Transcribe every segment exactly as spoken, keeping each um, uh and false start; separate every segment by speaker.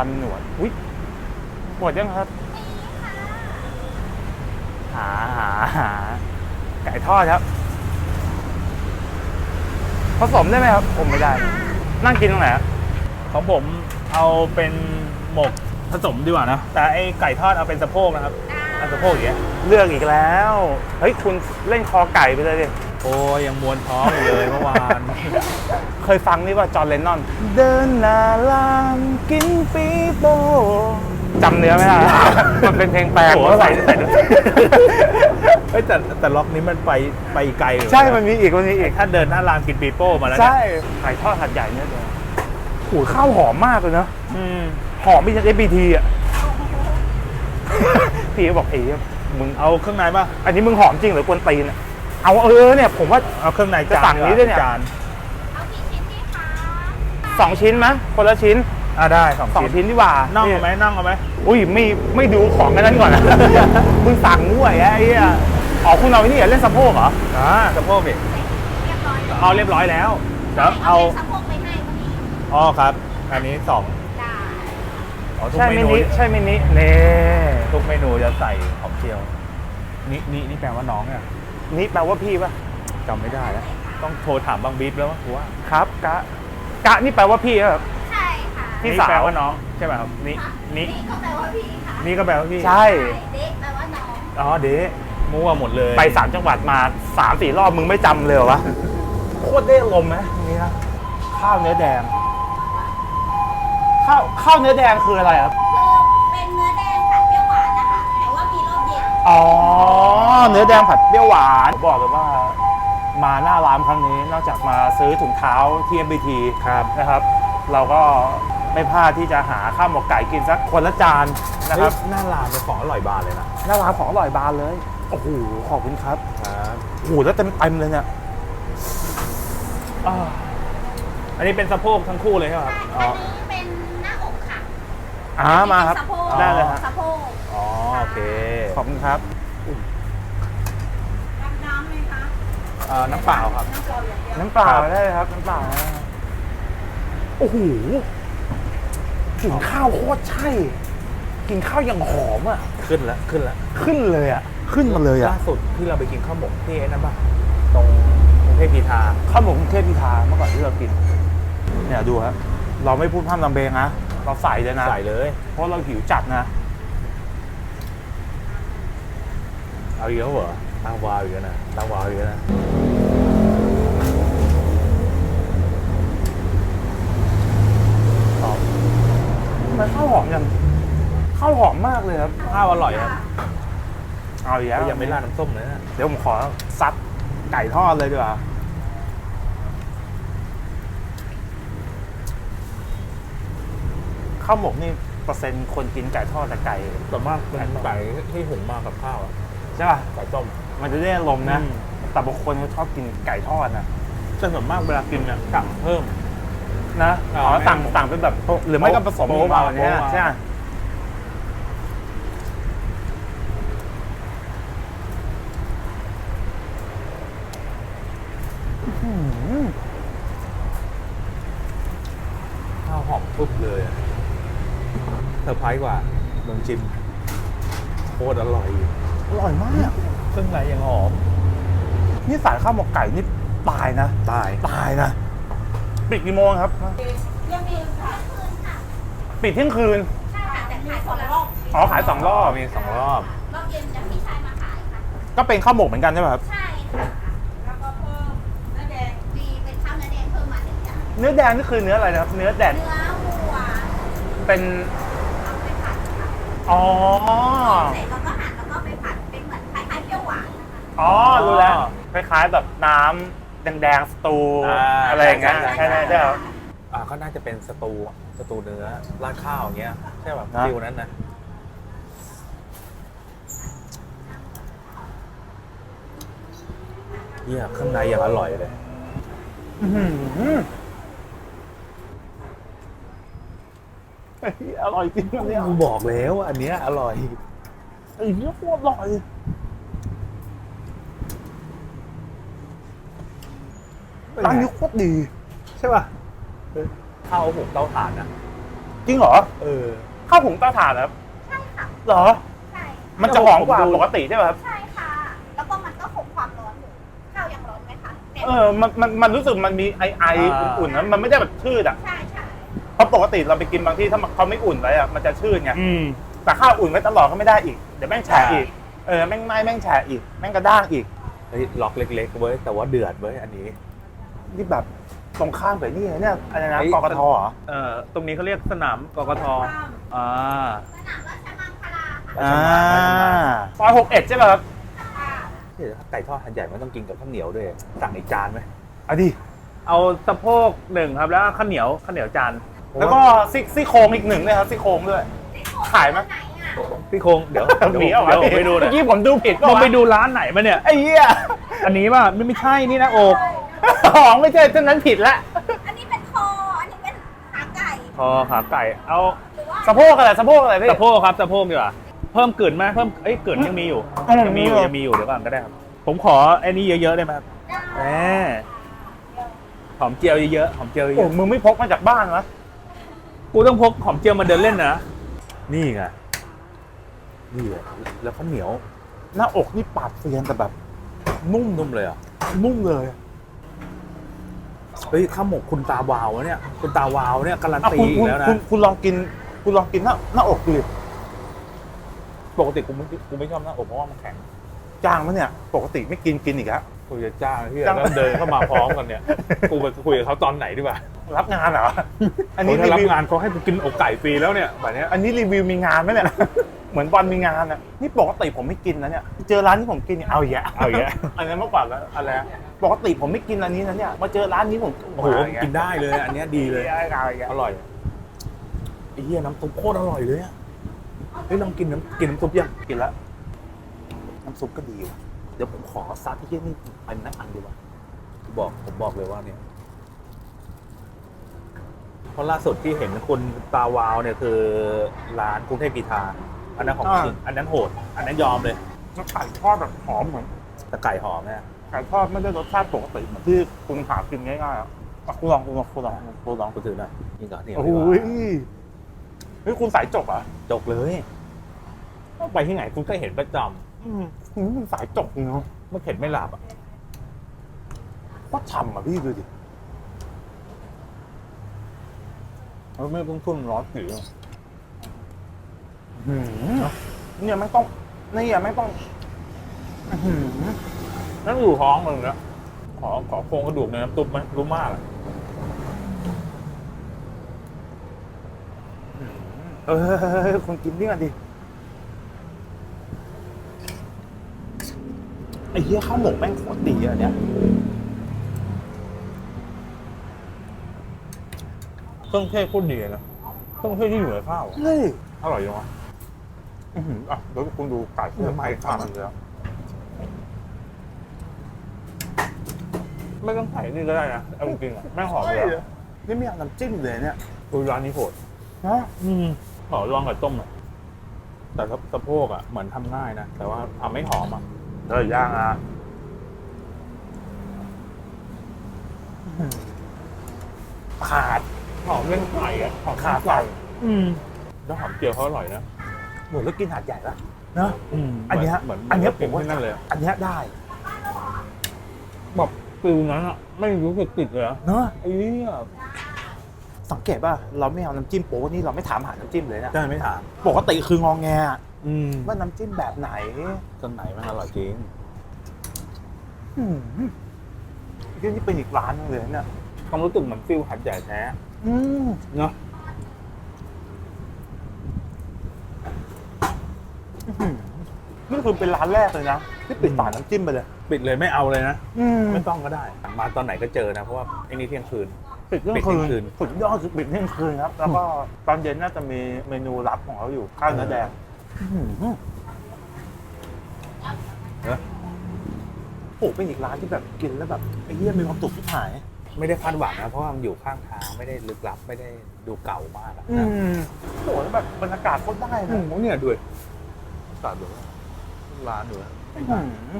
Speaker 1: ำหนวดอุ้ยหมดยังครับหาหาหาไก่ทอดครับผสมได้ไหมครับผมไม่ได้นั่งกินตรงไหน
Speaker 2: ของผมเอาเป็นหมกผสมดีกว่านะแต่ไอไก่ทอดเอาเป็นสะโพกนะครับเอาสะโพกอย่างเงี้ย
Speaker 1: เลือกอีกแล้วเฮ้ยคุณเล่นคอไก่ไปเลยดิ
Speaker 2: โอ้ยังมวนท้องอยู่เลยเมื่อวาน
Speaker 1: เคยฟังนี่ว่าจอห์นเลนนอนเดินหน้าลามกินปีโป้จำเนื้อไม่ได้มันเป็นเพลงแปลงว่าใส่ใส่
Speaker 2: เฮ้ยแต่แต่ล็อกนี้มันไปไปไกล
Speaker 1: ใช่มันมีอีกมันมีอีก
Speaker 2: ถ้าเดินหน้ารามกินปีโป้มาแล้ว
Speaker 1: ใช่ไก่ทอดหัดใหญ่เนี่ยเดียวโอ้ข้าวหอมมากเลยเนาะหอมไม่ใช่ เอฟ บี ที อ่ะพี่ก็บอกพี่มึง
Speaker 2: เอาเครื่องในป่ะ
Speaker 1: อันนี้มึงหอมจริงหรือกวนตีนอ่ะเอาเออเนี่ยผมว่า
Speaker 2: เอาเครื่องใน
Speaker 1: จะสั่งนี้ด้วยเนี่ย
Speaker 3: เอากี่ชิ้นดีคะ
Speaker 1: สองชิ้นมั้ยคนละชิ้น
Speaker 2: อ่ะได้สอง
Speaker 1: สองชิ้นดีกว่า
Speaker 2: น่องเอาไหมน่องเอาไหม
Speaker 1: อุ้ยไม่ไม่ดูของกันนั้นก่อนนะมึงสั่งด้วยไอ้เหี้ยอ๋อคุณเอาไอ้นี่เล่นสะโพกเหรอ
Speaker 2: อ่าสะโพกดิ
Speaker 3: เรียบร้อย
Speaker 2: เอาเรียบร้อยแล้ว
Speaker 3: เดี๋ยวเอาสะโพกไปให้วันนี้
Speaker 2: อ๋อครับอันนี้สอง
Speaker 3: ได้
Speaker 1: ใช่เมนูใช่เมนูเน่
Speaker 2: ทุกเมนูจะใส่หอมเจียวนี่นี่นี่แปลว่าน้องเนี่ย
Speaker 1: นี่แปลว่าพี่ป่ะ
Speaker 2: จำไม่ได้แล้วต้องโทรถามบางบีบแล้วว่าว่า
Speaker 1: ครับกะกะนี่แปลว่าพี่ครับ
Speaker 3: ใช่ค่ะ
Speaker 2: พี่สาวแปลว่าน้องใช่ไหมครับนี่นี่
Speaker 3: ก็แปลว่าพี่ค่ะ
Speaker 2: นี่ก็แปลว่าพี่
Speaker 1: ใช่
Speaker 3: เด็กแปลว่าน้อง
Speaker 2: อ๋อเด็กมั่วหมดเลย
Speaker 1: ไปสามจังหวัดมาสามสี่รอบมึงไม่จำเลยเหรอวะโคตรได้ลมไหมนี่นะข้าวเนื้อแดงข้าวข้าวเนื้อแดงคืออะไรครับ
Speaker 3: คือเป็นเนื้อแดงผัดเปรี้ยวหวานนะคะแต่ว่ามีรอบเย็น
Speaker 1: อ๋อเนื้อแดงผัดเปรี้ยวหวานบอกเลยว่ามาหน้าร้านครั้งนี้นอกจากมาซื้อถุงเท้าที่ เอฟ บี ที
Speaker 2: ครับ
Speaker 1: นะครับเราก็ไม่พลาดที่จะหาข้าวหมกไก่กินสักคนละจานนะครับ
Speaker 2: หน้าร้านเป็นของอร่อยบานเลยนะ
Speaker 1: หน้าร้านของอร่อยบานเลยโอ้โหขอบคุณครับ
Speaker 2: ครับ
Speaker 1: โอ้โหแล้วเต็มเต็มเลยเนี่ย
Speaker 2: อันนี้เป็นสะโพกทั้งคู่เลยใช่ไหมครับ
Speaker 3: อันนี้เป็นหน้าอกค่ะ
Speaker 1: อ่ามาครับ
Speaker 3: ได้เลยครับสะโพก
Speaker 2: อ๋อโอเค
Speaker 1: ขอบคุณครับ
Speaker 3: น้ำไหมคะ
Speaker 2: เอ่อน้ำเปล่าครับ
Speaker 1: น้ำเปล่าได้เลยครับน้ำเปล่าโอ้โหกินข้าวโคตรใช่กินข้าวอย่างหอมอ่ะ
Speaker 2: ขึ้นแล้วขึ้นแล้ว
Speaker 1: ขึ้นเลยอ่ะขึ้นมาเลยอ่ะ
Speaker 2: ล่าสุดที่เราไปกินข้าวหมกที่ไอ้นั่นป่ะตรงกรุงเทพพีทา
Speaker 1: ข้าวหมกกรุงเทพพีทาเมื่อก่อนที่เรากินเนี่ยดูครับเราไม่พูดพร่ำทำเพลงนะเราใส่เลยนะ
Speaker 2: ใส่เลย
Speaker 1: เพราะเราหิวจัดนะ
Speaker 2: เอาเยอะเหรอตั้งวาวอยู่นะตั้งวาวอยู่นะ
Speaker 1: มันข้าวหอมยังข้าวหอมมากเลยครับ
Speaker 2: ข้าวอร่อยครับ
Speaker 1: เอาอย่าง
Speaker 2: ยังไม่ราดน้ำส้มเลยนะ
Speaker 1: เดี๋ยวผมขอซัดไก่ทอดเลยดีกว่าข้าวหมกนี่เปอร์เซ็นต์คนกินไก่ทอดแต่ไก่
Speaker 2: ส่วนมากเป็นไก่ที่หุงมากับข้าว
Speaker 1: ใช่ป่ะ
Speaker 2: ไก่ต้ม
Speaker 1: มันจะได้ลมนะแต่บางคนเขาชอบกินไก่ทอดนะ
Speaker 2: แต่ส่วนมากเวลากินเนี่ยสั่งเพิ่ม
Speaker 1: นะอ๋อสั่งสั่งเป็นแบบหรือไม่ก็ผสมมาวันนี้ใช่ไหม
Speaker 2: ข้าวหอมทุบเลยเซอร์ไพรส์กว่าลองชิมโคตรอร่อย
Speaker 1: อร่อยมาก
Speaker 2: เครื่องในยังหอม
Speaker 1: นี่สายข้าวหมกไก่นี่ตายนะ
Speaker 2: ตาย
Speaker 1: ตายนะปิดกี่โมงครับ
Speaker 3: ยังมีเที่ยงคืนค่ะ
Speaker 1: ปิดเที่ยงคืน
Speaker 3: ใช่ค่ะแต่ขายสองรอบ
Speaker 1: อ๋อขายสองรอบ
Speaker 2: มีสองรอบ
Speaker 3: รอบเย็นจะมีชายมาขายค่ะ
Speaker 1: ก็เป็นข้าวหมกเหมือนกันใช่ไหมครับ
Speaker 3: ใช่ค่ะแล้วก็เพิ่มเนื้อแดงมีเป็นข้าวเนื้อแดงเพิ่มมาหนึ่งอย่าง
Speaker 1: เนื้อแดงนี่คือเนื้ออะไรนะครับเนื้อแดง
Speaker 3: เนื้อวัว
Speaker 1: เป็น
Speaker 3: เอาไปผัดค่ะ
Speaker 1: อ๋อ
Speaker 3: เสร็จแล้วก็หั่นแล้วก็ไปผัดเป็นเหมือนคล้ายๆเปรี้ยวหวาน
Speaker 1: อ๋อรู้แล้วคล้ายๆแบบน้ำแดงๆสตูอะไรอย่างเงี้ยใช่ไหมใช่ครับ
Speaker 2: อ่าก็น่าจะเป็นสตูสตูเนื้อราดข้าวอย่างเงี้ยใช่แบบฟิวนั้นนะเยี่ยข้างในอย่างอร่อยเลย
Speaker 1: อร่อยจริงเนี่ย
Speaker 2: กูบอกแล้วอันเนี้ยอร่อย
Speaker 1: ไอ้เนี้ยโคตรอร่อยร้านนี้โคตรดี
Speaker 2: ใช่ป่ะข้าวหุงเตาถ่านนะ
Speaker 1: จริงเหรอ
Speaker 2: เออ
Speaker 1: ข้าวหุงเตาถ่านเหรอครับ
Speaker 3: ใช่ค่ะ
Speaker 1: เหรอ
Speaker 3: ใช่
Speaker 1: มันจะหอมกว่า
Speaker 2: ผมดู
Speaker 1: ปกติใช่ไหมครับ
Speaker 3: ใช่ค่ะ แล้วก็มันก็คงความร้อนอยู่ข้าวยังร้อนไหมคะเนี่ย
Speaker 1: เออมันมันมันรู้สึกมันมีไอไออุ่นๆนะมันไม่ได้แบบชืดอ่ะ
Speaker 3: ใช่ใช่
Speaker 1: เพราะปกติเราไปกินบางที่ถ้าเขาไม่อุ่นไว้อ่ะมันจะชืดไง
Speaker 2: อืม
Speaker 1: แต่ข้าวอุ่นไว้ตลอดก็ไม่ได้อีกเดี๋ยวแม่งแฉะ
Speaker 2: ใช่
Speaker 1: อีกเออแม่งไหม้แม่งแฉะอีกแม่งกระด้างอีก
Speaker 2: เฮ้ยล็อกเล็กๆเว้ยแต่ว่าเดือดเว้ยอันนี้
Speaker 1: นี่แบบตรงข้ามไปนี่เนี่ยอะไรนะ
Speaker 2: ไอ้
Speaker 1: กกทเหรอ
Speaker 2: เอ่อตรงนี้เขาเรียกสนามกกทอ่า
Speaker 3: สนามราชมังคลาค่ะ
Speaker 1: อ่าซอยหกเอ็ดใช่ไหมครับ
Speaker 3: ค่ะ
Speaker 2: เดี๋ยวถ้าไก่ทอดหันใหญ่มันต้องกินกับข้าวเหนียวด้วยสั่งอีกจานไหม
Speaker 1: เอาดิ
Speaker 2: เอาสะโพกหนึ่งครับแล้วข้าวเหนียวข้าวเหนียวจาน
Speaker 1: แล้วก็ซี่ซี่โครงอีกหนึ่งเลยครับซี่โครงด้วย ขายไหม
Speaker 3: ไหนอ่ะ
Speaker 2: พี่โครงเดี๋ยว
Speaker 1: หมีเอา
Speaker 2: เดี๋ยวผมไปดูหน่
Speaker 1: เมื่
Speaker 2: อย
Speaker 1: อกี้ผมดูผิด
Speaker 2: มึงไปดูร้านไหนมาเนี่ย
Speaker 1: ไอ้เหี้ย
Speaker 2: อันนี้ป่ะไม่ไม่ใช่นี่นะอก
Speaker 1: อ๋อไม่ใช่เท่านั้นผิดละ
Speaker 3: อันนี้เป็นคอ อันนี้เป็นขาไก่
Speaker 2: คอขาไก่เอา
Speaker 3: หรือว่า
Speaker 1: สะโพกอะไรสะโพกอะไรพี่
Speaker 2: สะโพกครับสะโพกดีกว่าเพิ่มกลิ่นไหมเพิ่มเอ้ยกลิ่นยังมีอยู่
Speaker 1: อืม
Speaker 2: ยังมีอยู่ยังมีอยู่เดี๋ยวก่อนก็ได้ครับผมขอไอ้นี่เยอะๆได้ไหมครับแหมหอมเจียวเยอะๆหอมเจียวเย
Speaker 1: โอ้
Speaker 2: อะ
Speaker 1: มึงไม่พกมาจากบ้านวะ
Speaker 2: ๆกูต้องพกหอมเจียวมาเดินเล่นนะนี่ไงนี่เลยแล้วข้าวเหนียว
Speaker 1: หน้าอกนี่ปาดเซียนแต่แบบนุ่ม
Speaker 2: นุ่มเลยเหรอ่ะ
Speaker 1: นุ่มเลย
Speaker 2: เฮ้ยข้าวหมกคุณตาวาวอะเนี่ยคุณตาวาวเนี่ยการัน
Speaker 1: อ่ะ
Speaker 2: ตี
Speaker 1: คุณ
Speaker 2: อี
Speaker 1: คุ
Speaker 2: ก
Speaker 1: ณ
Speaker 2: แล้วนะ
Speaker 1: คุณคุณลองกิน คุณลองกินหน้าหน้าอกดิ
Speaker 2: ปกติกูไม่กูไม่ชอบหน้าอกเพราะว่ามันแข็ง
Speaker 1: จางมันเนี่ย ปกติไม่กินกินอีกแล้ว
Speaker 2: กูจะจ้างที่
Speaker 1: จ้าง
Speaker 2: แล้วเดินเข้ามาพร้อมกันเนี่ยกูไปคุยกับเขาตอนไหนดีกว่า
Speaker 1: รับงานเหรอ อันนี้
Speaker 2: เขา
Speaker 1: รี
Speaker 2: ถ้ารับ
Speaker 1: วิว
Speaker 2: งานเขาให้กูกินอกไก่ฟรีแล้วเนี่ยแบบเนี้ย
Speaker 1: อันนี้รีวิวมีงานไหมเนี่ย เหมือนบอลมีงานอ่ะ นี่ปกติผมไม่กินนะเนี่ย เจอร้านที่ผมกินเนี่ยเอาอีกแยะ
Speaker 2: เอาอย่างเงี้ย
Speaker 1: อันนั้นเมื่อก่อนแล้วอะไรนะปกติผมไม่กินอันนี้นะเนี่ย มาเจอร้านนี้ผม
Speaker 2: โอ้โหกินได้เลยอันเนี้ยดีเลย
Speaker 1: เอาอีกแยะ
Speaker 2: อร่อยไอ้เหี้ยน้ำซุปโคตรอร่อยเลยอะเฮ้ยลองกินน้ำกินน้ำซุปยัง
Speaker 1: กินแล้วน้ำซุปก็ดีว่ะเดี๋ยวผมขอซัดที่ที่นี่อันนั้นอันดีกว่า
Speaker 2: บอกผมบอกเลยว่าเนี่ยเพราะล่าสุดที่เห็นคุณตาวาวเนี่ยคือร้านกรุงเทพกีทาอันนั้นของจริงอันนั้นโหด อันนั้นยอมเลย
Speaker 1: แล้วไก่ทอดแบบหอมเหมือน
Speaker 2: แต่ไก่หอมเนี่ย
Speaker 1: ไก่ทอดไม่ได้รสชาติปกติเหมือนที่คุณหากินง่ายๆอ่ะอ่ะคุณลองคุณลองคุณลองคุณลอง
Speaker 2: กูถือหน่อยนี่ก่อนนี่
Speaker 1: โอ้
Speaker 2: ดี
Speaker 1: โห
Speaker 2: กว่า
Speaker 1: เฮ้ยคุณสายจกเหรอ่ะ
Speaker 2: จกเลยไปที่ไหนคุณก็เห็นประจ
Speaker 1: อืมคุณสายจกจริงเนาะ
Speaker 2: ำไม่เข็ดไม่หลับอ่ะ
Speaker 1: โคตรฉ่ำอ่ะพี่ดูดิ
Speaker 2: แล้วไม่ต้องทุ่มร้อนผิว
Speaker 1: หืมเนี่ยไม่ต้องเนี่ยไม่ต้องอื้อหือ
Speaker 2: นั่นอยู่ท้องมึงนะขอขอโครงกระดูกในน้ำซุปไหมรู้มากอะ
Speaker 1: เออคุณกินนี่กันดิไอ้เหี้ยข้าวหมกแม่งโคตรดีอ่ะเนี่ย
Speaker 2: เครื่องเทศโคตรดีเลยนะเครื่องเทศที่อยู่ในข้าวอะ
Speaker 1: เฮ้ย
Speaker 2: อร่อยจังวะ
Speaker 1: อื้อหืออ่ะเดี๋ยวคุณดูไก่ที่ไม่ทำเลยอ่ะ
Speaker 2: ไม่ต้องใส่นี่ก็ได้นะเอาจริงๆอ่ะแม่งหอมเลยอะ
Speaker 1: นี่ไม่อยากน้ำจิ้มเลยเนี่ย
Speaker 2: ดูร้านนี้โหด
Speaker 1: นะ
Speaker 2: อืมขอลองกับต้มหน่อยแต่สะสะโพกอ่ะเหมือนทำง่ายนะแต่ว่าทำไม่หอมอ่ะ
Speaker 1: เดี๋ยวย่างอ่ะขาด
Speaker 2: หอมเรื่องไก่อ่ะหอม
Speaker 1: ขาด
Speaker 2: ไก่
Speaker 1: ไก่
Speaker 2: อืมแล้วหอมเจียวเขาอร่อยนะ
Speaker 1: เหมือนเรากินหาดใหญ่ละเนอะ
Speaker 2: อืม
Speaker 1: อันเนี้ย
Speaker 2: เหมือน
Speaker 1: อันเนี้ย
Speaker 2: เหมือน
Speaker 1: ผมว่า
Speaker 2: ที่นั่นเลยอะ
Speaker 1: อันเนี้ยได้
Speaker 2: แบบฟิลนั้นอ่ะไม่รู้สึกติดเลยอะ
Speaker 1: เนอะ
Speaker 2: ไอ้เนี่ย
Speaker 1: สังเกตป่ะเราไม่เอาน้ำจิ้มโป๊ะนี่เราไม่ถามหาน้ำจิ้มเลยนะ
Speaker 2: ได้ไม่ถาม
Speaker 1: ปกติคืององแงอะ
Speaker 2: อืม
Speaker 1: ว่าน้ำจิ้มแบบไหน
Speaker 2: จนไหนมันอร่อยจริง
Speaker 1: อืมที่นี่เป็นอีกร้านนึงเลยเนี่ย
Speaker 2: ความรู้สึกเหมือนฟิลหัดใหญ่แท้
Speaker 1: อืม
Speaker 2: เนาะ
Speaker 1: อื้อหือนี่คือเป็นร้านแรกเลยนะที่ปิดฝาน้ำจิ้มไปเลย
Speaker 2: ปิดเลยไม่เอาเลยนะ
Speaker 1: อืม
Speaker 2: ไม่ต้องก็ได้ มาตอนไหนก็เจอนะ เพราะว่าไอ้นี่เที่ยงคืน
Speaker 1: ปิดเที่ยง
Speaker 2: ปิดเที่ยงคื
Speaker 1: คื
Speaker 2: น
Speaker 1: นสุดยอดคือปิดเที่ยงคืนครับ แล้วก็ตอนเย็นน่าจะมีเมนูลับของเขาอยู่ข้าวเนื้อแดง
Speaker 2: เนอะ
Speaker 1: โอ้เป็นอีกร้านที่แบบกินแล้วแบบไอ้เหี้ยมีความสุขที่หาย
Speaker 2: ไม่ได้คาดหวังนะ เพราะว่ามันอยู่ข้างทางไม่ได้ลึกลับไม่ได้ดูเก่ามากอะ
Speaker 1: อื
Speaker 2: นะ
Speaker 1: มโหแล้วแบบบรรยากาศโคตรได้
Speaker 2: อื
Speaker 1: นะ
Speaker 2: มเนี่ยด้วยตัดดูร้านดูนะ
Speaker 1: อื้อหือ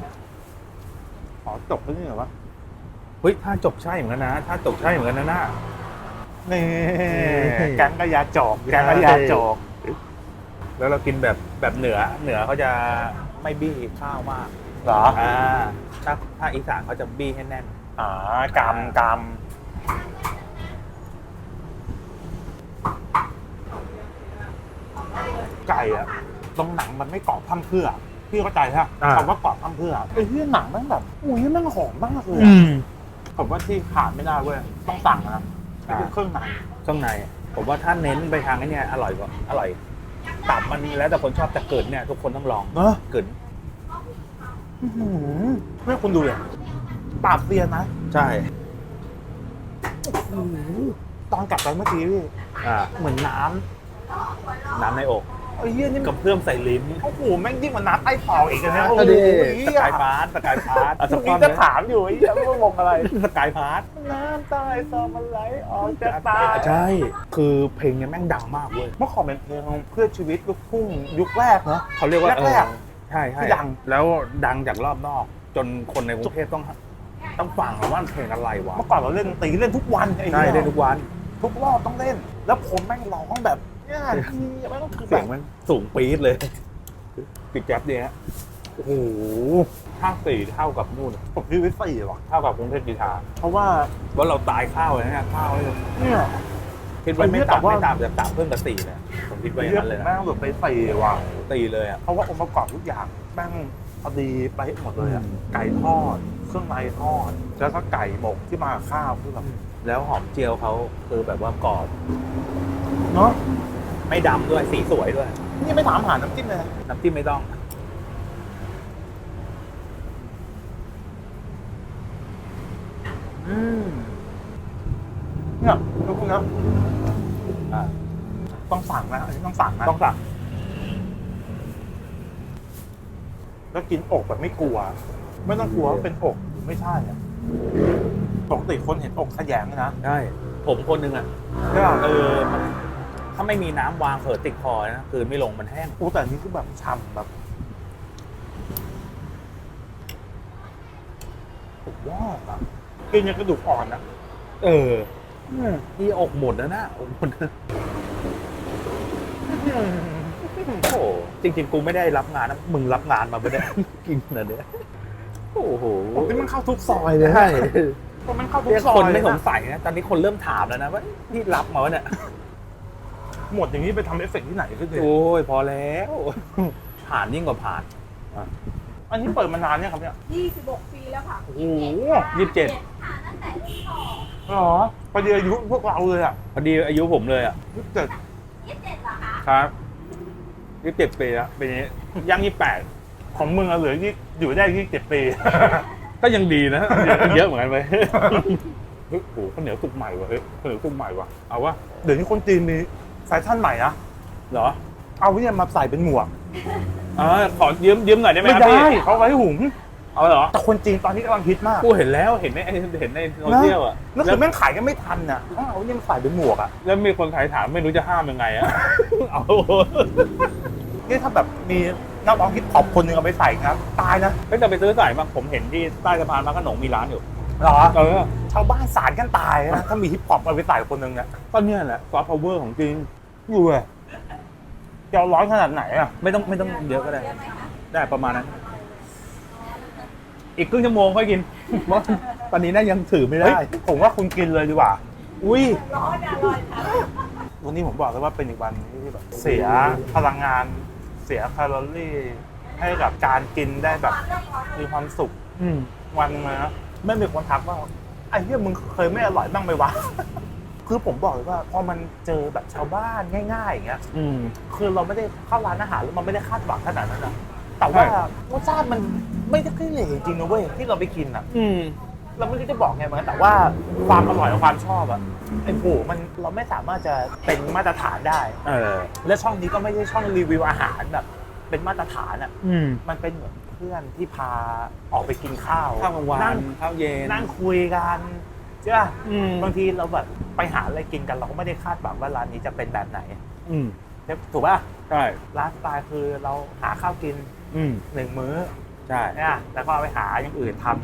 Speaker 1: ขอจบที่นี่เหรอวะ
Speaker 2: เฮ้ยถ้าจบใช่เหมือนกันนะ ถ้าจบใช่เหมือนกันนะน่า
Speaker 1: นี่แกงกะยาจอกแกงกะยาจอก
Speaker 2: แล้วเรากินแบบแบบเหนือเหนือเขาจะไม่บี้ข้าวมาก
Speaker 1: เหรอ
Speaker 2: อ่าถ้าถ้าอีสานเขาจะบี้ให้แน่น
Speaker 1: อ่ากำกำไก่อะตรงหนังมันไม่กรอบพร่ำเพรื่อพี่เข้าใจใช่ไหม
Speaker 2: อ่า
Speaker 1: คำว่ากรอบพร่ำเพรื่อไอ้ที่หนังมันแบบอุ้ยมันหอมมากเลย
Speaker 2: อื
Speaker 1: อะ
Speaker 2: ม
Speaker 1: ผมว่าที่ขาดไม่ได้เว้ยต้องสั่งนะไอ้พวกเครื่องใน
Speaker 2: ข้างในผมว่าถ้าเน้นไปทางไอ้เนี่ยอร่อยกว่าอร่อยตับมันแล้วแต่คนชอบแต่เกิดเนี่ยทุกคนต้องลอง
Speaker 1: เนอะ
Speaker 2: เกิด
Speaker 1: อื้อหือไม่คุณดูเลยปราบเซียนนะ
Speaker 2: ใช่
Speaker 1: โอ้โหตอนกลับไปเมื่อกี้พี่
Speaker 2: อ่า
Speaker 1: เหมือนน้
Speaker 2: น้ำในอก
Speaker 1: ำไอ้เหี้ยนี่
Speaker 2: กับเพื่อมใส่ลิ้น
Speaker 1: โอ้โหแม่งยิ่งกว่าน้ำใต้ฟองอีกนะโอ้
Speaker 2: ก็
Speaker 1: โห
Speaker 2: ดี
Speaker 1: เหี้
Speaker 2: ส
Speaker 1: ย
Speaker 2: กายพาร์ตสกายพาร์ต
Speaker 1: เมื่อกี้จะถามอยู่ไอ้เหี้ยไม่มองอะไร
Speaker 2: สกายพาร์ต
Speaker 1: น้ำใต้ฟองมันไหลออกจากตา
Speaker 2: ใช่คือเพลงเนี้ยแม่งดังมากเว้ย
Speaker 1: เมื่อก่อนเป็นเพลงเพื่อชีวิตลูกทุ่งยุคแรกเนาะ
Speaker 2: เขาเรียกว่า
Speaker 1: แรกๆ
Speaker 2: เออใช่ใช่
Speaker 1: ที่ดัง
Speaker 2: แล้วดังจากรอบนอก จนคนในกรุงเทพต้องต้องฟังว่าเพลงอะไรวะ
Speaker 1: เมื่อก่อนเราเล่นดนตรีเล่นทุกวันไอ้
Speaker 2: ใช่
Speaker 1: เหี้ย
Speaker 2: ได้ทุกวัน
Speaker 1: ทุกรอบต้องเล่น แล้วผมแม่งร้องแบบเนี่ยพี่ไม่ต้องคือ
Speaker 2: เสี
Speaker 1: แบ
Speaker 2: ยง
Speaker 1: บ
Speaker 2: มันสูงปี๊ดเลยปิดแจ๊บเนี่ย
Speaker 1: โอ้โห
Speaker 2: ห้าสี่เท่ากับนู่น
Speaker 1: ผมพี่วิสี่ว่ะ
Speaker 2: เท่ากับกรุงเทพกีฬา
Speaker 1: เพราะว่า
Speaker 2: ว่าเราตายข้าวเลยนะข้าวเลย
Speaker 1: เนี่ย
Speaker 2: คิดว่าไม่
Speaker 1: แต่
Speaker 2: ต่ำ
Speaker 1: ว่า
Speaker 2: ไม่ต่ำจากต่ำเพิ่มกับสี่เลยผมคิดว่าอย่าง
Speaker 1: เรียก
Speaker 2: นั้นเลย
Speaker 1: แม่
Speaker 2: นะ
Speaker 1: งแบบไปสี่ว่ะ
Speaker 2: ตีเลยอ่ะ
Speaker 1: เพราะว่าองค์ประกอบทุกอย่างแม่งพอดีไปหมดเลยอะ
Speaker 2: อืม
Speaker 1: ไก่ทอด เครื่องในทอด แล้วก็ไก่หมกที่มากับข้าวคือแบบ
Speaker 2: แล้วหอมเจียวเขาคือแบบว่ากรอบ
Speaker 1: เนาะ
Speaker 2: ไม่ดำด้วยสีสวยด้วย
Speaker 1: นี่ไม่ถามหาน้ำจิ้มเลย
Speaker 2: น้ำจิ้มไม่ต้อง
Speaker 1: อืมเนี่ยทุกคนนะ
Speaker 2: อ่า
Speaker 1: ต้องสั่งนะอันนี้ต้องสั่งนะ
Speaker 2: ต้องสั่ง
Speaker 1: แล้วกินอกแบบไม่กลัว ไม่ต้องกลัวว่าเป็นอกหรือไม่ใช่อะปกติคนเห็นอกขยงนะ
Speaker 2: ใช่ผมคนหนึงอ่ะ
Speaker 1: ใช่ป่ะ
Speaker 2: เออมันถ้าไม่มีน้ำวางเผลอติดคอนะคือไม่ลงมันแห้ง
Speaker 1: อู้แต่อันนี้คือแบบฉ่ำแบบสุดยอดอะกินยังกระดูกอ่อนอะ
Speaker 2: เออนี่อกหมดแล้วนะอกหมดนะโอ้โหจริงๆกูไม่ได้รับงานนะมึงรับงานมาไม่ได้ กินนะเนี่ยโอ้โห
Speaker 1: ผมที่มันเข้าทุกซอยเลย
Speaker 2: ใช่
Speaker 1: เพราะมันเข้าทุก
Speaker 2: เรียก
Speaker 1: ซอย
Speaker 2: คนไม่
Speaker 1: เลย
Speaker 2: ส
Speaker 1: นะ
Speaker 2: งสัยนะตอนนี้คนเริ่มถามแล้วนะว่าที่รับมาวะเนี่ย
Speaker 1: หมดอย่างนี้ไปทำเอฟเฟกต์ที่ไหนขึ้นเลย
Speaker 2: โอ้ยพอแล้ว ผ่านยิ่งกว่าผ่าน
Speaker 1: อันนี้เปิดมานานเนี่ยครับเนี่ย
Speaker 3: ยี่สิบหกปีแล้วค่ะ
Speaker 1: โอ้โห
Speaker 2: ยี่สิบเจ็ด
Speaker 3: ค่ะตั้งแต่รุ่นพ่อ
Speaker 1: เหรอพอดีอายุพวกเราเลยอะ
Speaker 2: พอดีอายุผมเลยอ่ะ
Speaker 1: ยี่สิบเจ็ด
Speaker 3: ยี่สิบเจ็ดเหรอคะ
Speaker 2: ครับยี่สิบเจ็ดปีแล้วปีนี้ย่างยี่สิบแปด
Speaker 1: ของมึงอะเหลือที่อยู่ได้ที่เจ็ดปี
Speaker 2: ก็ยังดีนะ เยอะเหมือนกันไปเฮ้ยโหข้าวเหนียวสุกใหม่ว่ะเฮ้ยข้าวเหนียวสุกใหม่ว่ะเอาวะ
Speaker 1: เดี๋ยวนี้คนจีนมีแฟชั่นใหม่นะ
Speaker 2: เหรอ
Speaker 1: เอาเนี่ยมาใส่เป็นหมวก
Speaker 2: อ่าขอยืมยืมหน่อยได้ไหม
Speaker 1: ไม่
Speaker 2: ครับ
Speaker 1: ได้
Speaker 2: พี่
Speaker 1: เขาไว้หุง
Speaker 2: เอาเหรอ
Speaker 1: แต่คนจีนตอนนี้กำลังฮิตมาก
Speaker 2: กูเห็นแล้วเห็นในเห็นในโซเชียลอ่ะ
Speaker 1: นั่น
Speaker 2: แล้
Speaker 1: คื
Speaker 2: ว
Speaker 1: อแม่งขายกันไม่ทันอ่ะต้องเอาเนี่ยมาใส่เป็นหมวกอ่ะ
Speaker 2: แล้วมีคนขายถามไม่รู้จะห้ามยังไงอ่ะ เอา
Speaker 1: นี่ถ้าแบบมีนักร้องฮิปฮอปคนหนึ่งเอาไปใส่นะตายนะ
Speaker 2: เฮ้ยแต่ไปซื้อใส่มาผมเห็นที่ใต้สะพานพระโขนงมีร้านอยู่
Speaker 1: เหรอ
Speaker 2: เออ
Speaker 1: ชาวบ้านสารกันตายนะถ้ามีฮิปฮอปเอาไปใส่คนหนึ่งเนี่ย
Speaker 2: ก็เนี่ยแหละซอฟต์พาวเวอร์ของจริง
Speaker 1: อยู่เลยจะเอาร้อนขนาดไหนอ่ะ
Speaker 2: ไม่ต้องไม่ต้องเยอะก็ได้
Speaker 3: เยอะไหมคะ
Speaker 2: ได้ประมาณนั้น อีกครึ่งชั่วโมงค่อยกิน เพราะตอนนี้น่ายังถือไม่
Speaker 1: เฮ้
Speaker 2: ได้
Speaker 1: ยผมว่าคุณกินเลยดีกว่า
Speaker 2: อุ้ย
Speaker 3: ร้อนอร่อยค่ะ
Speaker 1: วันนี้ผมบอกเลยว่าเป็นอีกวันที่แบบเสียพลังงาน เสียแคลอรี่ ให้กับการกินได้แบบมีความสุข
Speaker 2: อืม
Speaker 1: วันนึงเลยนะไม่มีคนทักว่าไอ้เหี้ยมึงเคยไม่อร่อยบ้างไหมวะ คือผมบอกเลยว่าพอมันเจอแบบชาวบ้านง่ายๆอย่างเงี้ย
Speaker 2: อืม
Speaker 1: คือเราไม่ได้เข้าร้านอาหารแล้วมันไม่ได้คาดหวังขนาดนั้นอะแต่ว่ารสชาติมันไม่ได้ขี้เหร่จริงนะเว้ยที่เราไปกินอะ
Speaker 2: อืม
Speaker 1: เราไม่รู้จะบอกไงเหมือนกันแต่ว่าความอร่อยกับความชอบอะไอ้โหมันเราไม่สามารถจะเป็นมาตรฐานได้
Speaker 2: เออ
Speaker 1: และช่องนี้ก็ไม่ใช่ช่องรีวิวอาหารแบบ เป็นมาตรฐานอะ
Speaker 2: อืม
Speaker 1: มันเป็นเหมือนเพื่อนที่พาออกไปกินข้าว
Speaker 2: ข้าวกลางวั
Speaker 1: นั่
Speaker 2: น
Speaker 1: ง
Speaker 2: ข้าวเย็น
Speaker 1: นั่งคุยกันใช่ป่ะ
Speaker 2: อืม
Speaker 1: บางทีเราแบบไปหาอะไรกินกันเราก็ไม่ได้คาดหวังว่าร้านนี้จะเป็นแบบไหน
Speaker 2: อืม
Speaker 1: ถูกป่ะ
Speaker 2: ใช่
Speaker 1: ร้านสไตล์คือเราหาข้าวกิน
Speaker 2: อืม
Speaker 1: หนึ่งมื้อ
Speaker 2: ใช่
Speaker 1: เนี่ยแล้วก็เอาไปหาอย่างอื่นทำกัน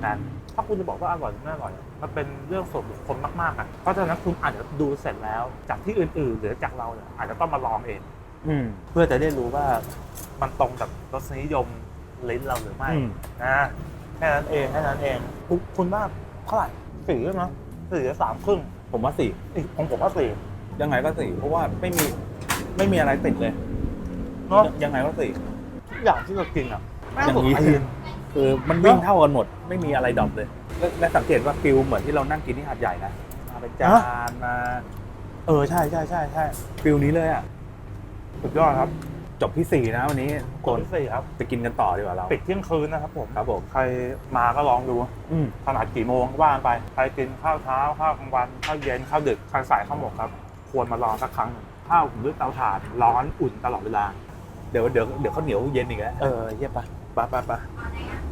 Speaker 1: ถ้าคุณจะบอกว่าอร่อยหรือไม่อร่อยอะมันเป็นเรื่องส่วนบุคคลมากๆอ่ะเพราะฉะนั้นคุณอาจจะดูเสร็จแล้ว จากที่อื่นๆ หรือจากเราเนี่ยอาจจะต้องมาลองเอง
Speaker 2: อืม
Speaker 1: เพื่อจะได้รู้ว่ามันตรงกับรสนิยมลิ้นเราหรือไม่
Speaker 2: อืม
Speaker 1: นะแค่นั้นเองแค่นั้นเองคุณคุณว่าเท่าไหร่สี่ใช่ไหมสี่หรือสามครึ่ง
Speaker 2: ผมว่าสี่
Speaker 1: อีกของผมว่าสี่
Speaker 2: ยังไงก็สี่เพราะว่าไม่มีไม่มีอะไรติดเลย
Speaker 1: เนาะ
Speaker 2: ยังไงก็สี่
Speaker 1: ทุกอย่างที่เรากินอ่ะแม่ง
Speaker 2: อย่าง
Speaker 1: สด
Speaker 2: นี้
Speaker 1: ตีน
Speaker 2: คือมันวิ่งเท่ากันหมด ไม่มีอะไรดรอปเลยและและสังเกตว่าฟิลเหมือนที่เรานั่งกินที่หาดใหญ่นะมาเป็นจานมา
Speaker 1: เออใช่ใช่ใช่ใช่
Speaker 2: ฟิลนี้เลยอ่ะ
Speaker 1: สุดยอดครับ
Speaker 2: จบที่สี่นะวันนี้
Speaker 1: ค
Speaker 2: คน น
Speaker 1: ที่สี่ครับ
Speaker 2: ไปกินกันต่อดีกว่าเรา
Speaker 1: ปิดเที่ยงคืนนะครับผม
Speaker 2: ครับผม
Speaker 1: ใครมาก็ลองดู
Speaker 2: อืม
Speaker 1: ขนาดกี่โมงว่างไปใครกินข้าวเช้าข้าวกลางวันข้าวเย็นข้าวดึกข้าวสายข้าวหมกครับ ควรมาลองสักครั้งหนึ่งข้าวด้วยเตาถ่านร้อนอุ่นตลอดเวลา
Speaker 2: เดี๋ยวเดี๋ยวเดี๋ยวข้าวเหนียวเย็นอีกแล้ว
Speaker 1: เออเยี่ยมปะปะปะปะ
Speaker 3: เอาไหนอ่ะ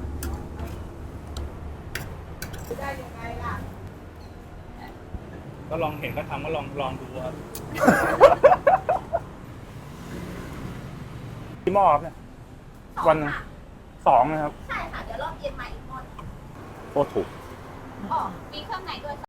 Speaker 3: ได้ยังไงล่ะ
Speaker 2: ก็ลองเห็นก็ทำก็ลองลองดูครับ
Speaker 1: ที่หม้อครับเนี่ย วันหนึ่ง สองนะครับ
Speaker 3: ใช่ค่ะ เดี๋ยวรอบเย็นมาอีกหมด
Speaker 2: โคตรถูก
Speaker 3: อ๋อมีเครื่องในด้วย